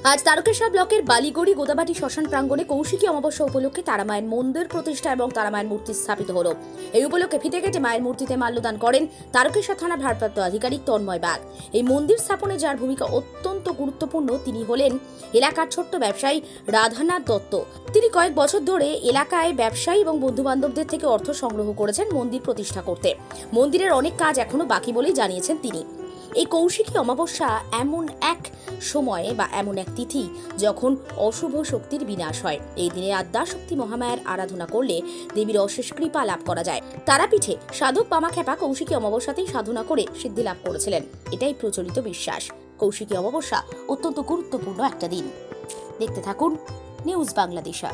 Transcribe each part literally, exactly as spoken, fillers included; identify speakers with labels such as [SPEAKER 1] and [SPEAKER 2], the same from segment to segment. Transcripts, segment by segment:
[SPEAKER 1] আজ তারকেশ্বর ব্লকের বালিগড়ি গোদাবাটি শ্মশান প্রাঙ্গণে কৌশিকী অমাবস্যা উপলক্ষে তারা মায়ের মন্দির প্রতিষ্ঠা এবং তারা মায়ের মূর্তি স্থাপিত হলো। এই উপলক্ষে ফিতে কেটে মায়ের মূর্তিতে মাল্যদান করেন তারকেশ্বর থানার ভারপ্রাপ্ত আধিকারিক তন্ময় বাগ। এই মন্দির স্থাপনে যার ভূমিকা অত্যন্ত গুরুত্বপূর্ণ তিনি হলেন এলাকার ছোট্ট ব্যবসায়ী রাধানাথ দত্ত। তিনি কয়েক বছর ধরে এলাকায় ব্যবসায়ী এবং বন্ধু বান্ধবদের থেকে অর্থ সংগ্রহ করেছেন মন্দির প্রতিষ্ঠা করতে। মন্দিরের অনেক কাজ এখনো বাকি বলেই জানিয়েছেন তিনি। এই কৌশিকী অমাবস্যা এমন এক সময়ে বা এমন এক তিথি যখন অশুভ শক্তির বিনাশ হয়। এই দিনে আদ্যা শক্তি মহামায়ার আরাধনা করলে দেবীর অশেষ কৃপা লাভ করা যায়। তারাপীঠে সাধক বামাখ্যাপা কৌশিকী অমাবস্যাতেই সাধনা করে সিদ্ধি লাভ করেছিলেন, এটাই প্রচলিত বিশ্বাস। কৌশিকী অমাবস্যা অত্যন্ত গুরুত্বপূর্ণ একটা দিন। দেখতে থাকুন নিউজ বাংলাদেশা।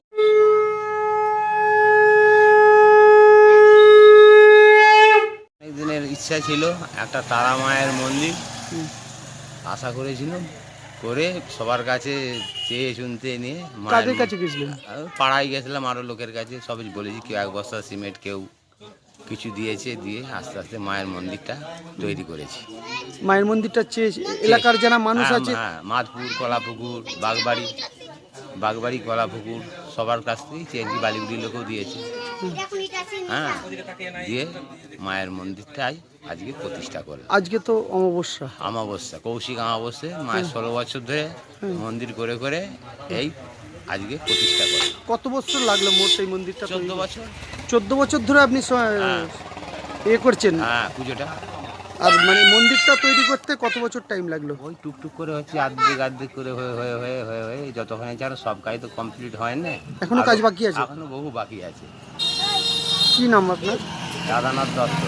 [SPEAKER 2] দিনের ইচ্ছা ছিল একটা তারা মায়ের মন্দির আশা করেছিলাম, করে সবার কাছে চেয়ে শুনতে নিয়ে
[SPEAKER 3] কাদের কাছে গেছিলেন?
[SPEAKER 2] পাড়ায় গেছিলাম, আরও লোকের কাছে সবই বলেছি। কেউ এক বস্তা সিমেন্ট, কেউ কিছু দিয়েছে, দিয়ে আস্তে আস্তে মায়ের মন্দিরটা তৈরি করেছি।
[SPEAKER 3] মায়ের মন্দিরটা চেয়ে এলাকার যারা মানুষ আছে,
[SPEAKER 2] হ্যাঁ, মাধপুর, কলাপুকুর, বাগবাড়ি বাগবাড়ি কলাপুকুর সবার কাছ থেকেই চেয়েছি, বালিগুড়ির লোকেও দিয়েছে। হ্যাঁ, দিয়ে মায়ের মন্দিরটাই আজকে প্রতিষ্ঠা করে।
[SPEAKER 3] আজকে তো অমাবস্যা
[SPEAKER 2] অমাবস্যা কৌশিক অমাবস্যা মায়ের ষোলো বছর ধরে মন্দির করে করে এই আজকে প্রতিষ্ঠা করে।
[SPEAKER 3] কত বছর লাগলো মোট এই মন্দিরটা?
[SPEAKER 2] চোদ্দ বছর
[SPEAKER 3] চোদ্দ বছর ধরে আপনি এ করছেন?
[SPEAKER 2] হ্যাঁ, পুজোটা।
[SPEAKER 3] আর মানে মন্দিরটা তৈরি করতে কত বছর টাইম লাগলো?
[SPEAKER 2] ওই টুকটুক করে হচ্ছে, আর্ধেক আর্ধেক করে হয়ে হয়ে হয়ে হয়ে হয়ে যতক্ষণে যেন সব কাজ তো কমপ্লিট হয় না,
[SPEAKER 3] এখনো কাজ বাকি আছে?
[SPEAKER 2] এখনো বহু বাকি আছে।
[SPEAKER 3] কি নাম আপনার?
[SPEAKER 2] রাধানাথ দত্ত।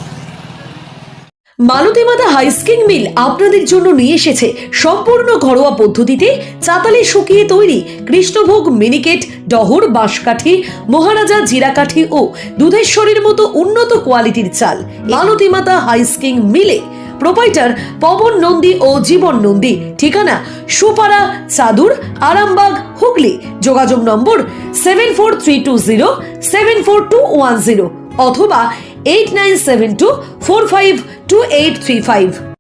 [SPEAKER 4] মালতী মাতা হাইস্কিং মিল আপনাদের জন্য নিয়ে এসেছে সম্পূর্ণ ঘরোয়া পদ্ধতিতে চাতালে শুকিয়ে তৈরি কৃষ্ণভোগ মিনিকেট, ডহর, বাঁশকাঠি, মহারাজা জিরাকাঠি ও দুধেশ্বরীর মতো উন্নত কোয়ালিটির চাল। মালতী মাতা হাইস্কিং মিলে প্রোপাইটার পবন নন্দী ও জীবন নন্দী। ঠিকানা সুপারা, চাদুর, আরামবাগ, হুগলি। যোগাযোগ নম্বর seven four three two zero seven four two one zero অথবা eight nine seven two four five two eight three five.